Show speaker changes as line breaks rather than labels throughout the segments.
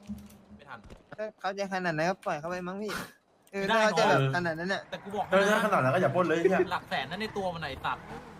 ไม่ทัน
ถ้าเขาจะขนาดไหนก็ปล่อยเขาไปมั้งพี่
ไม่ได้
ถ้าเขาจะ
เนอะ
แบบขนาดนั้นน่ะ
แต่กูบอก
ถ้าขนาดนั้นก็อย่าปล้นเลยเนี่ย
หลักแสนนั่นในตัวมันไหนสัตว์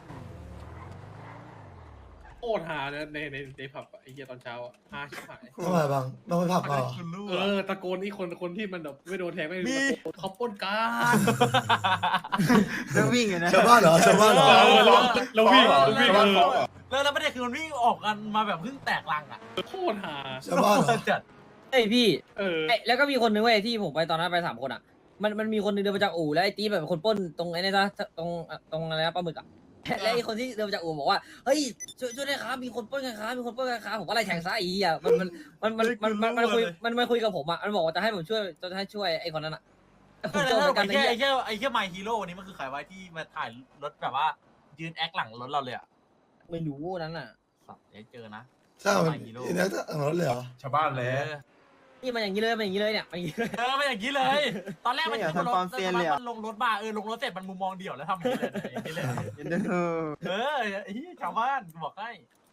โคตรหาเนี่ยในผับไอ้เหี้ยตอนเช้าอ่ะหาชิบหาย
ทำไมบางต้องไปผับมาเหรอ
คุณรู้
ตะโกนนี่คนที่มันแบบไม่โดนแทงไม่โดนตะโกนเขาปล้นกัน
แล้ววิ่งอยู่นะ
ชาวบ้านเหรอชาวบ้านเหรอ
เราวิ่ง
แล้วประเด็นคือมันวิ่งออกกันมาแบบเพิ่งแตกลังอ่ะ
โคตรหา
ชาวบ้านเหรอ
จัด
เอ้ยพี่
เ
แล้วก็มีคนนึงเว้ยที่ผมไปตอนนั้นไป3 คนอ่ะมันมีคนนึงเดินมาจากอู่แล้วไอ้ตีแบบเป็นคนปล้นตรงไอ้นี่นะตรงอะไรนะปลาหมึกอ่ะและไอ้คนที่เดินมาจากอู่บอกว่าเฮ้ยช่วยด้วยครับมีคนปล้นกันครับมีคนปล้นกันครับผมก็ไล่แทงซะอีอ่ะมันคุยกับผมอ่ะมันบอกว่าจะให้ผมช่วยจะให้ช่วยไอ้คนนั้นอ่ะผมเจอเหมือนกัน
ไอ้แค่ไมฮีโร่นี้มันคือใครไว้ที่มาถ่ายรถแบบว่ายืนแอคหลังรถเราเลยอ่ะ
ไม่รู้นั้นน่ะ
สัตว์อย่าเจอนะ
ใช่มันอีนักอังรถเลยเหรอ
ชาวบ้านเลย
นี่มันอย่างนี้เลยมันอย่างนี้เลยเนี่ยมันอย่างนี้เลย
ไม่อย่างนี้เลย ตอนแรกมันอยู่บนรถมันลงรถมาลงรถเสร็จมันมุมมองเดี่ยวแล้วทำอย่างนี้เลย ไอ้ชาวบ้านบอกให้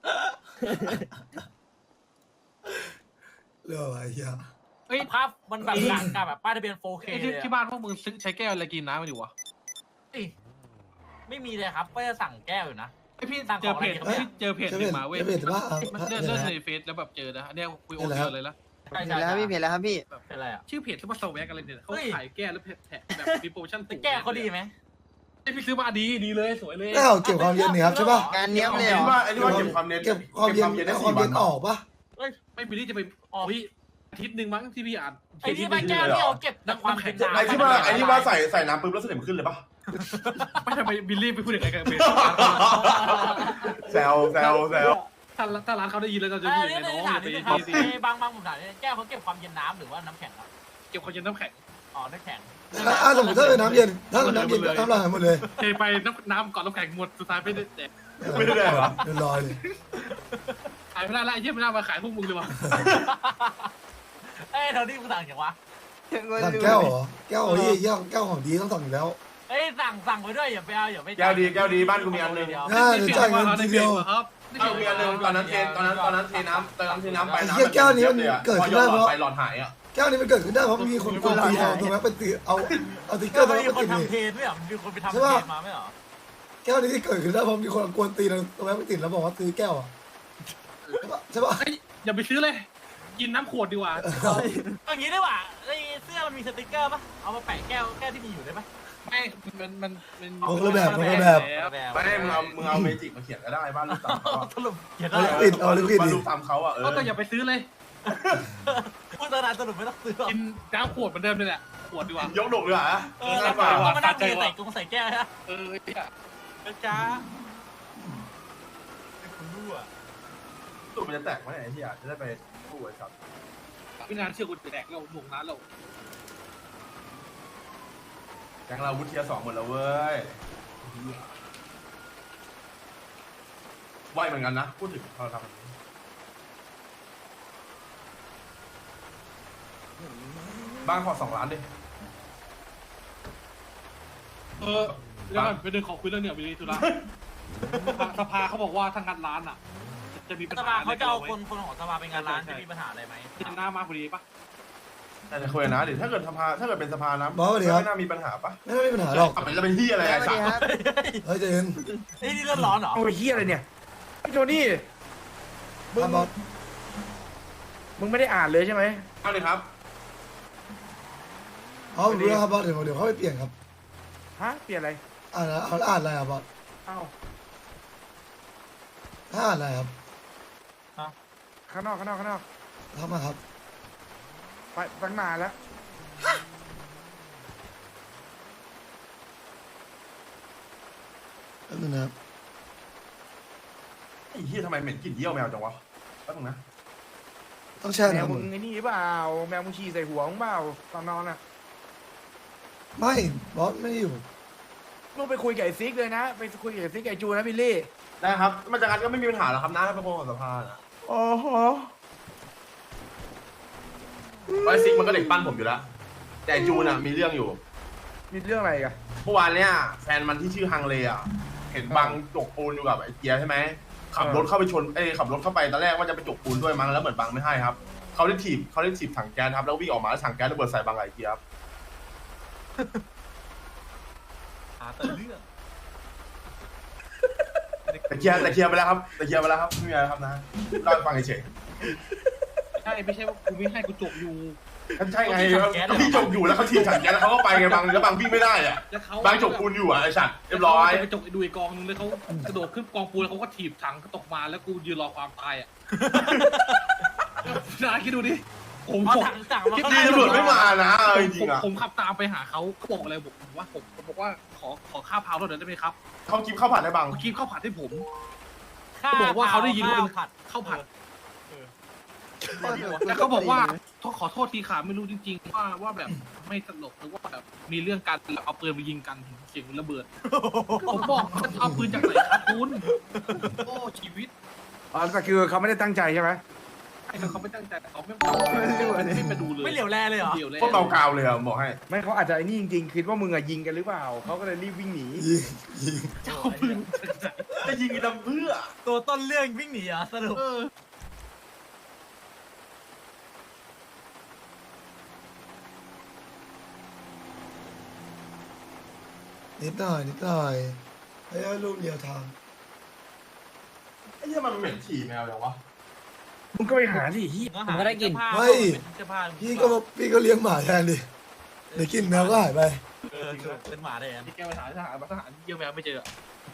เรื่องอะไรเฮีย
ภาพมันแบบหลังกับแบบป้ายทะเบียน 4K เลย
ที่บ้านพวกมึงใช้แก้วอะไรกินน้ำมาอยู่วะ
ไม่มีเลยครับก็จะสั่งแก้วอยู่นะ
ไอพี่เจอเพจหนึ่งมาเว้ย
จะเป็นว่า
เลื่อนในเฟซแล้วแบบเจอนะอันนี้คุยโอเดียวเลยละ
เห็นแล้วพี่เห็นแล้วครับพี่
เป็นอะไรอ่ะ
ชื่อเพจที่ว่าสแวกอะไรเนี่ยเขาขายแก้แล้วแถมแบบมีโปรโมชั่น
แก้วเขาดีไหม
ไอพี่ซื้อมาดีเลยสวยเลย
แก้วเก็บความเย็นนี่ครับใช่ป่ะ
งานเนี้ยบเลย
ไอ้
เหร
นี่
อ
ว่าไอ้นี่ว่าเก็บความเย็น
เก็บความเย็นเอาความเย็นออกป่ะ
ไม่บิลลี่จะไปอาทิตย์หนึ่งมั้งที่พี่อ่าน
ไอ้ที่มาแก้วที่เอาเก็บความเป็นน้ำ
ไอ้ที่ว่าใส่น้ำปุ๊บแล้วสนิมขึ้นเลยปะ
ไม่ทำไมบิลลี่ไปพูดอย่างไรกันเป็น
แซว
ถ้าร้านเขาได้ยินแล้วเราจะ
อั
พูด
น
ยัง
นี้
ไง
ใน
น้อง
ถามนี้นะครับบางผมถามแก้วเขาเก็บความเย็นน้ำหรือว่าน้ำแข็งครับ
เก็บความเย็นน้ำแข็ง
อ๋อน้ำแข็ง
สมมติถ้าเป็นน้ำเย็นถ้าเป็นน้ำเย็นก็น้ำลายหมดเลย
เทไปน้ำก่อนน้ำแข็งหมดสุดท้ายไม่ได้แดก
ไม่ได้เหรอ
เรียบร้อยเลย
ขายไม่ได้ละไอ้เหี้ยไม่น่ามาขายพวกมึงเลยว่ะ
เอ้ยเท่าที่มึงสั่งอย่างวะ
สั่งแก้วเหรอแก้วเฮียแก้วของดีต้องสั่งอยู่แล้ว
เอ้ยสั่งไปด้วยอย่าไปเอาอย่าไป
แก้วดีบ้านกูมีอันนึง
น่าจะจ่ายเงินทีเดียว
ครับ
เอามีอันนึงตอนนั้นเทน้ำไปน้ำไปหลอดหายอ่ะ
แก้วนี้มันเกิดขึ้นได้เพราะมีคนกวนตีเอาตรงนั้นไปตีเอาติ๊กเกอ
ก็
ร์ตรง
มี
นั้นไป
คน
ติด
ทำเทรนไม่เหรอมีคนไปทำเทรนมาไม่เหรอ
แก้วนี้ที่เกิดขึ้นได้เพราะมีคนกวนตีตรงนั้นไปติดแล้วบอกว่าซื้อแก้วอ่ะใช่ป่ะ
อย่าไปซื้อเลย กินน้ำขวดดีกว่า
อย่างนี้ได้ป่ะไอ้เสื้อมันมีสติกเกอร์ป่ะเอามาแปะแก้วที่มีอยู่ได้ป่ะ
ไม่มัน
คนละแบบ
ไม่มึงเอาเมจิกมาเขียนก็ได้บ้านลูกตามเขา
สรุปเขียน
เอา
ได้
ลิควิดเอาลิควิด
บ้าน
ดิ
ลูกตามเขาอ่ะ
ก็อย่าไปซื้อเลย
พูดตอนนั้นสรุปไม่ต้องซื้อ
กินน้ำขวดเหมือนเดิมเลยแหละขวดดีกว่าย
กดกเลยอ่ะ
แล้วก็มานั่งใส่กงใส่แก้วฮะ จ้าคุณรู้อ่ะ
ตุ่มมันจะแตกไหมไอ้ที่จะได้ไปกู้ไอ้สัตว์
พี่นานเชื่อกูแดกเราหน่วงน้ำเรา
แกงเราวุฒิ2หมดแล้วเว้ยไหวเหมือนกันนะพูดถึงเราทำบ้านขอ2 ล้านดิ
แล้วกันไปเดินขอคุยเรื่องเนี่ยวิริทุระสภาเขาบอกว่าทางงานร้านอ่ะจะมีปัญ
ส
หา
ภาเขาจะเอาคนของสภาเป็นงานร้านจะมีปัญหาอะไรไหม
ที่หน้ามาพอดีปะ
แต่จะคุยนะดิถ้าเกิดเป็นสภานะ
บอกว่าดีครับ
ไม่น่ามีปัญหาปะ
ไม่ได้มีปัญหาหรอก
มันจะเป็นที่อะไรไอ้สัตว์
เฮ้ยเจน
นี่เรื่องร้อนเหรอ
โอ้ยเฮียอะไรเนี่ยพี่โทนี่มึง
ครับบอส
มึงไม่ได้อ่านเลยใช่ไหม
เอาเลยครับ
อ๋อผมรู้แล้วครับบอสเดี๋ยวเขาไปเปลี่ยนครับ
ฮะเปลี่ยนอะไร
อ่านเขาอ่านอะไรครับบอส
เอ้า
ถ้าอ่านอะไรครับ
ข้างนอก
ทำมาครับ
ไปตั้งนานแล้ว
แป๊บนึงนะครับ
ไอ้เหี้ยทำไมเหม็นกลิ่นเยี่ยวแมวจังวะแป๊บนึงนะ
ต้องแช่
แมว
น้ำ
มึ
มึ
ง
ง
ไอ้นี่เปล่าแมวมึงฉี่ใส่หัวมึงเปล่าตอนนอนอ่ะ
ไม่บอสไม่อยู่
มึงไปคุยกับไอ้ซิกเลยนะไปคุยกับไอ้ซิกไอ้จูนะบิลลี่
ได้ครับมันจากการก็ไม่มีปัญหาหรอกครับนะถ้าเป็นคนของสภานะ
โอ้โห
ไอ้ซิกมันก็เด็กปั้นผมอยู่แล้วแต่จูนอ่ะมีเรื่องอยู่
มีเรื่องอะไรกัน
เมื่อวานเนี้ยแฟนมันที่ชื่อฮังเลอ่ะเห็นบังจกปูนอยู่กับไอ้เกียร์ใช่ไหมขับรถเข้าไปชนขับรถเข้าไปตอนแรกว่าจะไปจกปูนด้วยมั้งแล้วเหมือนบังไม่ให้ครับเขาได้ถีบถังแก๊สครับแล้ววิ่งออกมาแล้วถังแก๊สระเบิดใส่บางไหลเกียร์ครับ
หาแต่เรื่อง
แต่เคลียร์ไปแล้วครับไม่มีอะไรครับนะเล่าให้ฟังเฉย
ใช่ไม่ใช่ว่ากูไม่ให้กูจบอยู่
ใช่ไงก็พี่จบอยู่แล้วเขาถีบถังแก๊สแล้วเขาก็ไปไงบางแล้วบางวิ่งไม่ได้อ่ะ
แล้วเขา
บางจบปูนอยู่อ่ะไอ้สัตว์เรียบร้อย
ไปจบดูอีกกองนึงแล้วเขากระโดดขึ้นกองปูนแล้วเขาก็ถีบถังตกมาแล้วกูยืนรอความตายอ่ะนาคิดดูดิผม
เอาถังมา
ดีตำรวจไม่มานะจริงๆอ่ะ
ผมขับตามไปหาเขาบอกอะไรผมบอกว่าขอข้าวเผารถหน่อยได้ไหมครับ
เขากินข้าวผัดให้บาง
เขากินข้าวผัดให้ผม
ข้ว
บอกว่าเขาได้ยินว่าเป็น
ผัด
ข้าวผัดแล้วเขาบอกว่าขอโทษทีค่ะไม่รู้จริงๆว่าแบบไม่ตลกหรือว่าแบบมีเรื่องการเอาปืนไปยิงกันเสียงระเบิดผมบอกเอาปืนจากไหนครับคุณโอ้ชีวิต
อ๋อแต่คือเขาไม่ได้ตั้งใจใช่ไหม
ไอ้เขาไม่ตั้งใจเขาไม่ไปดูเลย
ไม่เหลียวแลเลยเหรอ
เดี๋ยวเลย
พวกเบากาวเลยอ่ะบอกให้
ไม่เขาอาจจะไอ้นี่จริงๆคิดว่ามึงอะยิงกันหรือเปล่าเขาก็เลยรีบวิ่งหนี
ยิง
เจ้าปืน
จะยิงกันเพื่อ
ตัวต้นเรื่องวิ่งหนีเหรอสรุป
นิดหน่อยให้ลูกเดียวทาง
ไอ้เหี้ยมันเหม็นฉี่แมวอย่างวะ
มึงก็ไปหาสิเฮีย
ผมก็ได้กิน
เสื้อผ้า
พี่ก็เลี้ยงหมาแทนดิเดี๋ยวกินแมวก็หายไป
เป็นหมาแทน
ที่แกไปหาทหารเยี่ยมแมวไม่เจอ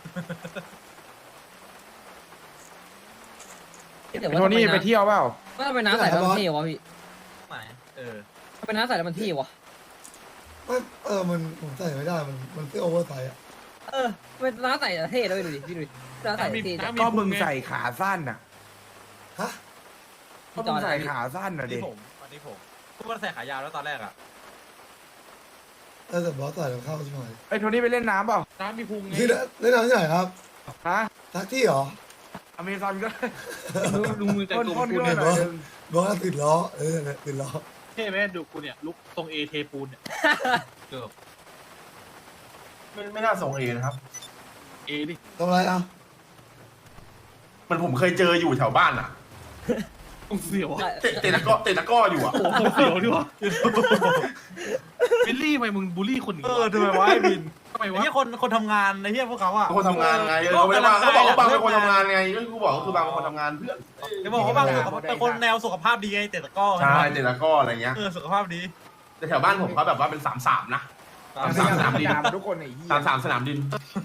แต่ว่า
โทนี่ไปเที่ยวเปล่า
ว่าทำไมน้าใส่แล้วมันเท่วะพี่
ไหน
ทำไมน้าใส่แล้วมันเท่วะ
มันผมใส่ไม่ได้มันเสื้อโอเวอร์ไซส์อ่ะ
ทำไมน้าใส่เท่ด้วยดูดิพี่ดูดิน้าใส่เท่จัง
ก็มึงใส่ขาสั้นน่ะ
ฮะ
ก็มึงใส่ขาสั้นน่ะเด็
วันนี้ผมพูดว่าใส่ขายาวแล้วตอนแรกอ่ะ
แต่บอสใส่แล้วเข้าใช่ไหม
ไอ้โทนี่ไปเล่นน้ำเปล่า
น้ำมีพุงไง
ที่เล่นน้ำที่ไหนครับ
ฮะ
ทักที่เหรอ
อเมซอนก็
ดูมือแต่งตัว
พ่น
กู
ๆ
เนี่ย
หน่อยนึง
บอสติดล้อติดล้อ
เท่ไหมดูกูเนี่ยลุกทรงเอเทปูนเนี่ย
เกือบ
ไม่น่าส่งเอนะครับ
เอดิ
ทำอะไรอ่ะ
มันผมเคยเจออยู่แถวบ้านอ่ะ
ต้องเสียว
เตะตะก้ออยู่อ่ะ
โอ้โหเสียวดีวะบิลลี่ทำไมมึงบูลลี่คนอื่น
ทำไมวะไอ้บิน
ทำไม
ไอ้
วะ
เหี้ยคนทำงานไอ้เหี้ยพวกเขาอ่ะ
คนทำงานไงเขาไม่ได้ว่าเขาบอกว่าบางเป็นคนทำงานไงก็กูบอกก็คือบางเป็นคนทำงานเพื่อน
จะบอกว่าบางเป็นคนแนวสุขภาพดีไงเตะตะก้อ
ใช่เตะตะก้ออะไรเงี้ย
สุขภาพดี
แต่แถวบ้านผมเขาแบบว่าเป็น3-3นะสามดิน
ตามทุกคนไอ้เหี้ย
3-3สนามดิน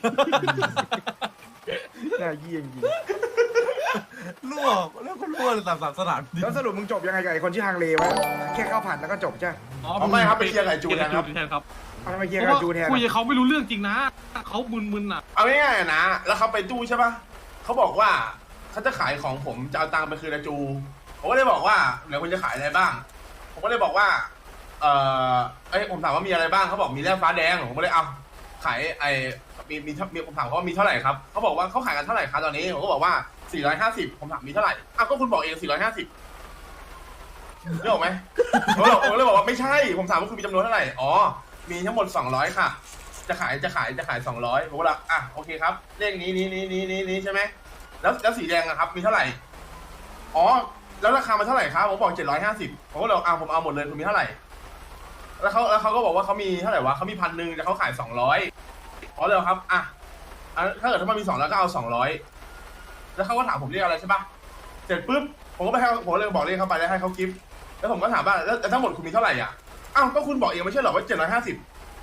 น่าเยี่ยงจริง
รั่วแล้วก็รั่วเลยสนามดี
แล้วสรุปมึงจบยังไงกับไอ้คนชื่อฮังเลวะแค่ข้าวผัดแล้วก็จบใช่
อ๋อไม่ครับไปเคลียร์ไก่จูนนะครับ
แทนครับ
เอาทำไมเคลียร์กับจูแทน
คุยกับเขาไม่รู้เรื่องจริงนะเขามึนๆอ่ะ
เอาง่ายๆนะแล้วเขาไปตู้ใช่ปะเขาบอกว่าเขาจะขายของผมจะเอาตังค์ไปคืนอาจูผมก็เลยบอกว่าเดี๋ยวคุณจะขายอะไรบ้างผมก็เลยบอกว่าผมถามว่ามีอะไรบ้างเขาบอกมีแร่ฟ้าแดงผมก็เลยเอาขายมีผมถามเขาว่ามีเท่าไหร่ครับเขาบอกว่าเขาขายกันเท่าไหร่ครับตอนนี้ผมก็บอกว่า450ผมถามมีเท่าไหร่อ้าวก็คุณบอกเอง450นึกออกไหมผมเลยบอกว่าไม่ใช่ผมถามว่าคุณมีจำนวนเท่าไหร่อ๋อมีทั้งหมด200ค่ะจะขาย200ผมก็เลยอ่ะโอเคครับเลขนี้ใช่ไหมแล้วสีแดงอะครับมีเท่าไหร่อ๋อแล้วราคามันเท่าไหร่ครับผมบอก750ผมก็เลยผมเอาหมดเลยคุณมีเท่าไหร่แล้วเขาก็บอกว่าเขามีเท่าไหร่วะเขามี1,000แต่เขาขาย200อ๋อเลยครับอ่ะถ้าเกิดถ้ามันมี200ก็เอา200แล้วเขาก็ถามผมเรียกอะไรใช่ปะเสร็จปุ๊บผมก็ไปให้ผมเลยบอกเรียกเขาไปแล้วให้เขากิฟต์แล้วผมก็ถามว่าแล้วทั้งหมดคุณมีเท่าไหร่อ่ะอ้าวก็คุณบอกเองไม่ใช่หรอว่า750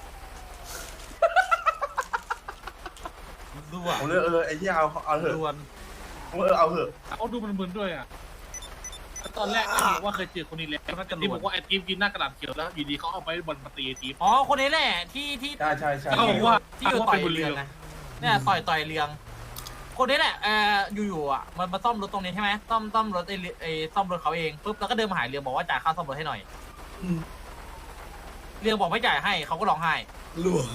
รั่ว
ผมเลยไอ้ที่เอาเถอะ
รวน
ผมเอาเถอะ
เขาดูมึนๆด้วยอ่ะตอนแรกบอกว่าเคยเจอคนนี้แล้วที่บอกว่าไอ้ทีมกินหน้ากระดาษเขียวแล้วอยู่ดีเขาเอาไปบอลมาตีทีม
อ๋อคนนี้แหละที่
ใช่
เขาบอกว่า
ที่อยู่ต่อยเรืองเนี่ยต่อยเรืองคนนี้แหละอยู่ๆอ่ะมันมาซ่อมรถตรงนี้ใช่ไหมซ่อมรถไอ้ซ่อมรถเขาเองปุ๊บแล้วก็เดินมาหาเรืองบอกว่าจ่ายค่าซ่อมรถให้หน่อยเรืองบอกไม่จ่ายให้เขาก็ร้องไห้
รั่ว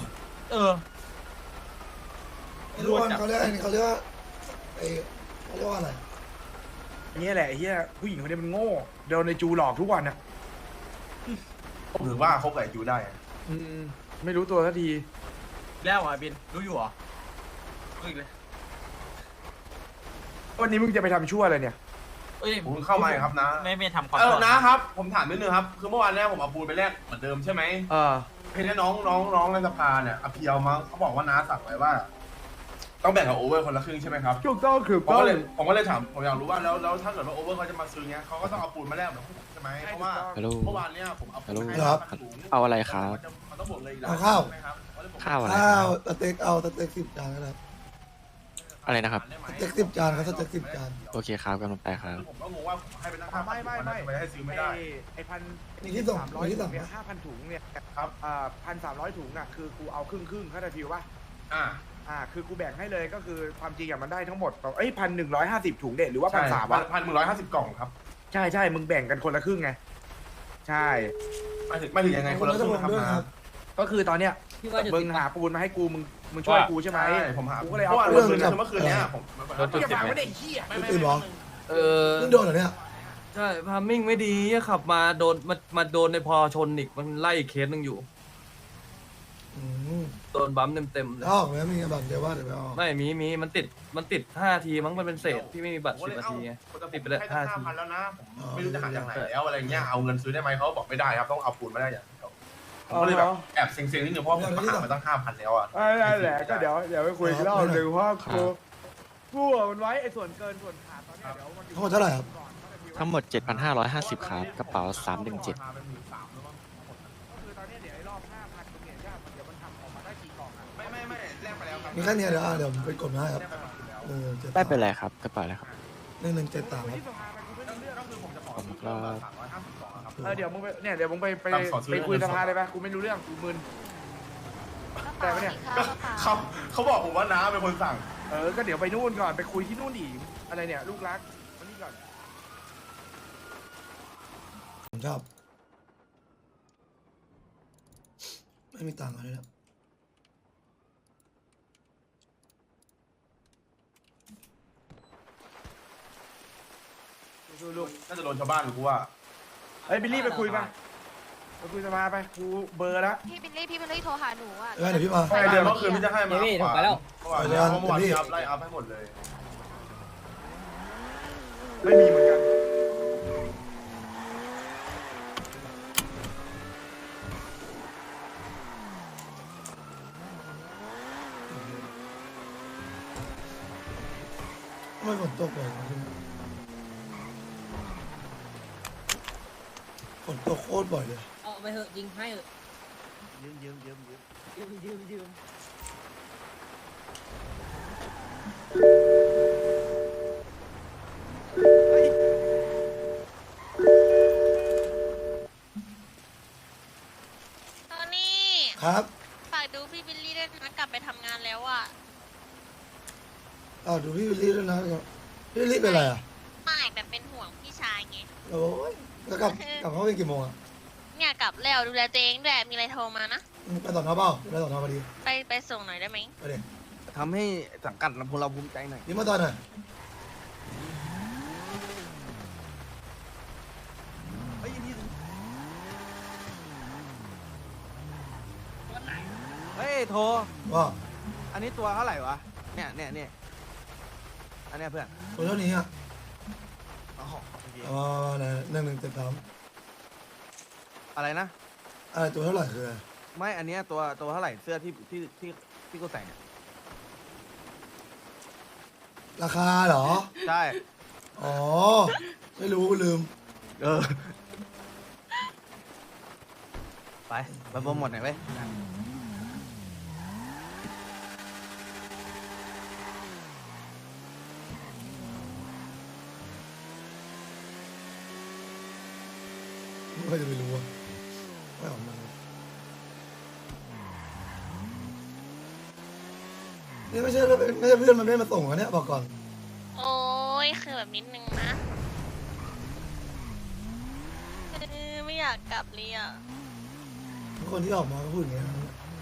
รั่ว
เขาเรียกเขาเรียกว่าเขาเรียกว่าอะไร
นี่แหละไอ้เหี้ยผู้หญิงคนนี้มันโง่โดนในจูหลอกทุกวันนะ
ผมถือว่าเขาไก่จูได้
ไม่รู้ตัวสักที
แล้วอ่ะบินรู้อยู่เหรอรู้อีกเลย
วันนี้มึงจะไปทำชั่วอะไรเนี่ย
เอ้ย
ผมเพิ่งเข้ามาเองครับนะ
ไม่ทำความ
นะครับ ผมถามนิดนึงครับ คือเมื่อวานเนี้ยผมเอาปูนไปแลกเหมือนเดิมใช่ไหมเพนน้องในสภาเนี่ยอภิเยามั้งเขาบอกว่าน้าสั่งไว้ว่า ต้องแบ่งกับโอเวอร์คนละครึ่งใช่ไหมครับ
ถูกต้องคือ
ผมก็เลยถามผมอยากรู้ว่าแล้วถ้าเกิดว่าโอเวอร์เขาจะมาซื้อเงี้ยเขาก็ต้องเอาปูนมาแลกเหมือนพวกผมใช่ไหมเพราะว่า
ฮัลโหล
เมื่อวานเนี้ยผมเอาปูนให้
ครับ
ถุง
เอาอะไรครับ
มันต้องบวกเลยอีก
เอาข้าว
ใช่ไหมครับ
ข้าวอะไร
ข้าว
ครับ
สเต็กเอาสเต็ก10 จานนะครับ
อะไรนะครับ
สเต็ก10 จานครับสเต็ก10 จาน
โอเคครับกำลังไปครับ
ผมก็งงว่าผมให้ไปตั้งค่า
ไม่
ทำไมให้ซื้อไม่ได้
ไอ้พัน
มีที่ส่ง
300
มีที่
ถุ
ส่
ง
ง
เนี่ย5,000 ถุงเนี่ย
ครับ
1,300 ถุงน่ะคือกูเอาครึ่งเข้าใจฟิวป่ะ คือกูแบ่งให้เลยก็คือความจริงอะมันได้ทั้งหมด1,150 ถุงเด็ดหรือว่า
ใช่
1,300วะ
1,150 กล่องครับ
ใช่มึงแบ่งกันคนละครึ่งไงใช่
ไม่ถึงยังไงคนละครึ่งนะครับ
ด้วย
นะ
ครับ
ก็คือตอนเนี้ย
พี่ว่าจุด
มึง
ติด
หาปูนมาให้กูมึงช่วยกูใช่ไหม
ใช่ผมหา
กูก็เลยเอา
เมื่อวาน
ปูน
เมื่อคืนเนี้ยผม
อย่าฟังไม่ได้เหี้ย
ไม่ตื่นหรอ
เออ
เพิ่งโดนเหรอเนี่ย
ใช่พามิ่งไม่ดีขับมาโดนมาโดนในพอชนอีกมันไล่อีกเคสหนึ่งอยู่
อืม
โดนบัมเต็มๆเลย
ถ้าออกแล้วมีบัตรเดียวว่าเดี๋ยวไปเอา
ไม่มีมันติด5 ทีมั้งมันเป็นเศษที่ไม่มีบัตร10 นาทีไง ติดไปเลย
ให้ตั้ง
5 ที
5,000แล้วนะผมไม่รู้จะหาจากไหนแล้วอะไรเงี้ยเอาเงินซื้อได้ไหมเขาบอกไม่ได้ครับต้องเอาปูนมาได้อย่างเดียวผมก็เลยแบบแอบเซ็งๆนิดนึงเพราะผมหามาตั้ง 5,000แล้วอ่ะ
นั่นแหละก็เดี๋ยวไปคุยกันรอบหนึ่งว่ากูมันไว้ไอ้ส่วนเกินส่วนขาดตอนเนี้ยเดี๋ยวมันอยู่
ทั้งหมดเท่าไหร่ครับ
ทั้งหมด 7,550 ครับ กระเป๋า 317
ก็คือตอนนี้เดี๋ยวไอ้รอบ 5,000ตรงเนี้ยเดี๋ยวมันทำออกมาได้กี่กล่องอ่ะ
ไม่แลกไปแล้วครับ
มีแค่เนี้ยเดี๋ยวผมไปกดมาให้ครับ
ได้เป็นไรครับ กระเป๋าอะไรครับ
1173ครับ
ที่สภาไปกูไม่รู้เรื่อง
ก็คือผมจะขอซื้อ350กล่องครับ
เดี๋ยวมึงไปเนี่ยเดี๋ยวมึงไปคุยสภาเลยปะกูไม่รู้เรื่องกูมึนแต่ปะเนี่ย
ก็เขาบอกผมว่าน้าเป็นคนสั่ง
ก็เดี๋ยวไปนู่นก่อนไปคุยที่นู่นอีกอะไรเนี่ยลูกรักมานี่ก่อน
ผมชอบ ไม่มีตังค์อะไรนะ
ลูกน่าจะโดนชาวบ้านกูว่า
เฮ้ยบิลลี่ไปคุยปะไปคุยสภาไปกูเบอร์แล้ว
พี่บิลลี่โทรหาหนูอ่ะ
เดี๋ยวพี่มา
เดือนเมื่อคืนพี่จะให้มา
พี่ถูกไปแล้ว
เมื่อวานพี่อัพไล่อัพให้หมดเลย
ไม่มีเหมือนกัน
ทำไมฝนตกบ่อยฝนตกโคตรบ่อยเลย
เอาไปเถอะยิงให้เถอะยืม
ตอนนี้
ครับ
ฝากดูพี่บิลลี่ด้วยนะกลับไปทำงานแล้วอ่ะ
ดูพี่วิลลี่ด้วยนะพี่วิลลี่เป็นอะไรอ่ะ
ไม่แบบเป็นห่วงพี่ชายไง
โอ้ยแล้วกลับเข้าไปกี่โมงอ่ะ
เนี่ยกลับแล้วดูแลตัวเองด้วยมีอะไรโทรมานะ
ไปต่อนอเปล่าไปต่อนอพอดี
ไปส่งหน่อยได้ไหม
ไปเด็ก
ทำให้สังกัดเราภูมิใจหน่อย
นี่มาตอนไหน
เฮ้ยโทร
ว่า
อันนี้ตัวเท่าไหร่วะเนี่ยอันเนี้ยเพื่อน
ตัวเท่านี้อ่ะ
อ๋อโอเค
ไหน1173
อะไรนะ
อะไรตัวเท่าไหร่คืออะไร
ไม่อันเนี้ยตัวเท่าไหร่เสื้อที่กูใส่เนี่ย
ราคาเหรอ
ใช่
อ๋อ ไม่รู้ลืม
ไปโปรโมทหน่อยเว้ย
ไม่ค่อยจะไปรู้อ่ะไม่ออกมานี่ไม่ใช่เพื่อนมันไม่มาส่งอะเนี่ยบอกก่อน
โอ้ยคือแบบนิดนึงนะไม่อยากกลับเลยอ่ะ
คนที่ออกมาก็พูดอย่างเงี้ย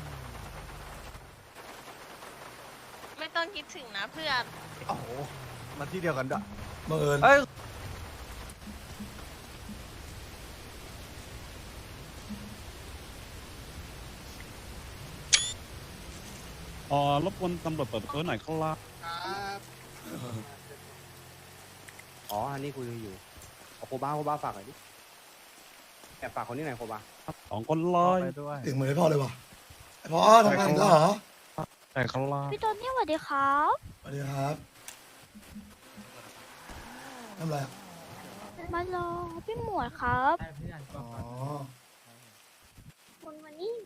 ไม่ต้องคิดถึงนะเพื่อน
โอ้โหมาที่เดียวกันด้วย
บังเอิญ
เอ้ย
รบกวนตำรวจเปิดประตูหน่อยครับ
อ๋ออันนี้คุยอยู่โคบ้าฝากหน่อยดิแอบฝากคนนี้หน่อยโคบ้า
2 คนเลย
ถึงเหมือนไอ้พ่อเลยว่ะไอ้พ่อทำงานอีกแล้วเหรอ
แต่เขาลา
พี่โทนี่สวัสดีครับ
สวัสดีครับทำอะไรอะ
มารอพี่หมวดครับ
อ๋อ
คุณวันนี้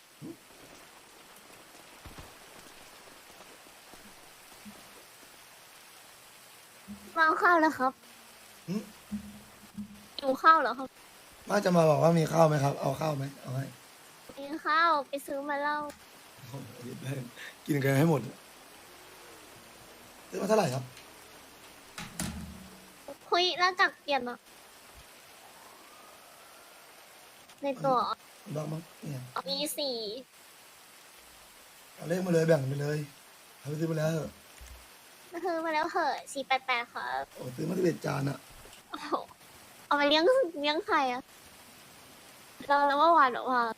มาเอาข้าวแล้วครับหิวข้าวเหรอครับ
ว่าจะมาบอกว่ามีข้าวไหมครับ เอาข้าวไหมเอาให้
มีข้าวไปซื้อมาเล่า
โอ้โหกินกันให้หมดซื้อมาเท่าไหร่ครับ
คุยแล้วจักเปลี่ยนอ่ะในตัว
บ้างมั้งเนี่ย
มีสี่
เอาเลขมาเลยแบ่งไปเลยเอาไปซื้อมาแล้ว
ซื้อมาแล้วเหอะ488ครับ
โอ้ซื้อมา11 จานอะ
โอ้โหเอาไปเลี้ยงใครอ่ะแล้วเมื่อวานแบบว่า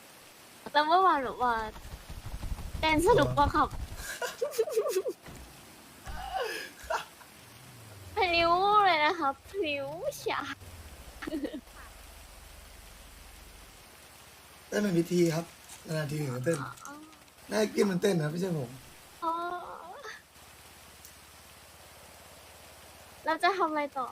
เต้นสนุกกว่าครับ พลิ้วเลยนะครับพลิ้วฉา
เต้นเป็นพิธีครับนานๆทีถึงจะเต้นน่ากินมันเต้นนะไม่ใช่ผม
อ๋อเราจะทำอะไรต่อ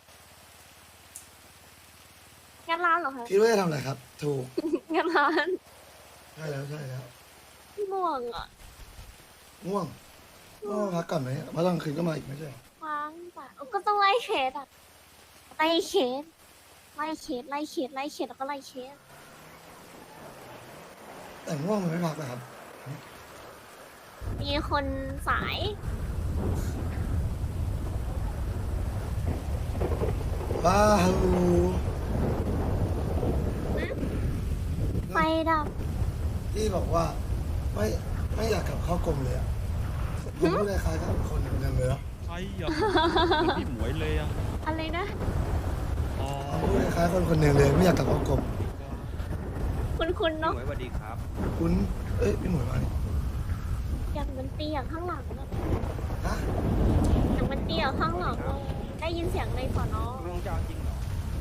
งัดร้านเหรอคะ
คิดว่าจะทำอะไรครับ ถูก
งัดร้าน
ใช่แล้วใช่แล้ว
ม่วงอ่ะ
ง่วงพักก่อนไหมเพราะตอนคืนก็มาอีกไม่ใช่เหรอ
ค้างป่ะก็ต้องไล่เคสอ่ะไล่เคสแล้วก็ไล่เคส
แต่ง่วงมันไม่พักนะครับ
มีคนสาย
ว้าว
ไฟดับ
ที่บอกว่าไม่อยากกลับเข้ากรมเลยอะผมพูดคล้ายๆกับคนคนหนึงเลยเนาะ
ใช่อ่ะเหมือนพี่หมวยเลยอ่ะ
อะไรนะ
อ๋อ
ผมพูดคล้ายๆคนคนหนึ่งเลยไม่อยากกลับเข้ากรม
คุณเนาะ
สวัสดีครับ
คุณพี่หมวยมาเนี่ย
อยากมันตีอย่างข้างหลังอะ
ฮะ
อยากมันตีอย่างข้างหลังอะได้ยินเสียงในสอนอ
ลุงจะเอาจริงเหรอ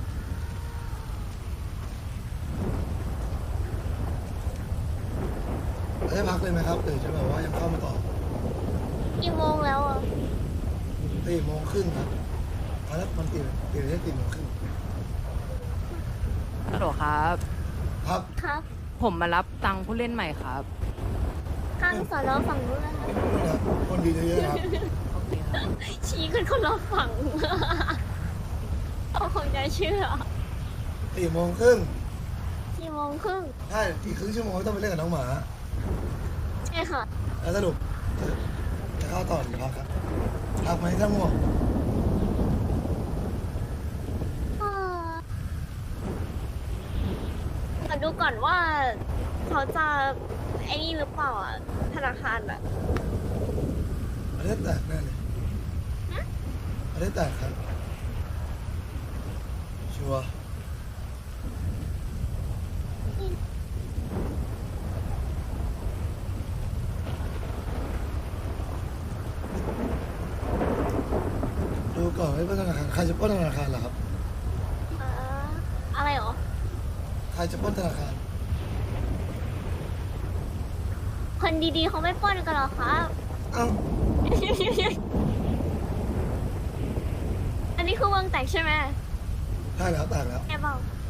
ได้พักเลยไหมครับหรือจะแบบว่ายังเข้ามาต่อ
กี่โมงแล้วอ่ะ
4:30ครับแล้วมันตื่นได้4:30
ฮัลโหลครับ
ครับ
ครับ
ผมมารับตังค์ผู้เล่นใหม่ครับ
ข้างสอนอฝั่งนู้นนะคะ
ไม่พูดนะคนดีเยอะๆครับ
โอเคครับ
ชี้กันคนละฝั่ง เขาคงจะเชื่อ
4:30
กี่โมงครึ่ง
ใช่อีกครึ่งชั่วโมงก็ต้องไปเล่นกับน้องหมา
ใช่ค่ะ
แล้วสรุปจะเข้าต่อหรือพักครับพักไหมถ้าง่วง
ขอดูก่อนว่าเขาจะไอ้นี่หรือเปล่าอ่ะ ธนาคารอ่ะ
ประเทศแตกแน่เลยประเทศแตกครับชัวร์ดูก่อนไม่เป็นธนาคารใครจะปล้นธนาคารเหรอครับ
อะไรหรอ
ใครจะปล้นธนาคาร
คนดีๆเขาไม่ปล้นกันหรอครับ
เอ้า
อันนี้คือวงแตกใช่ไหม
ใช่แล้วแตกแล้ว
แกบอก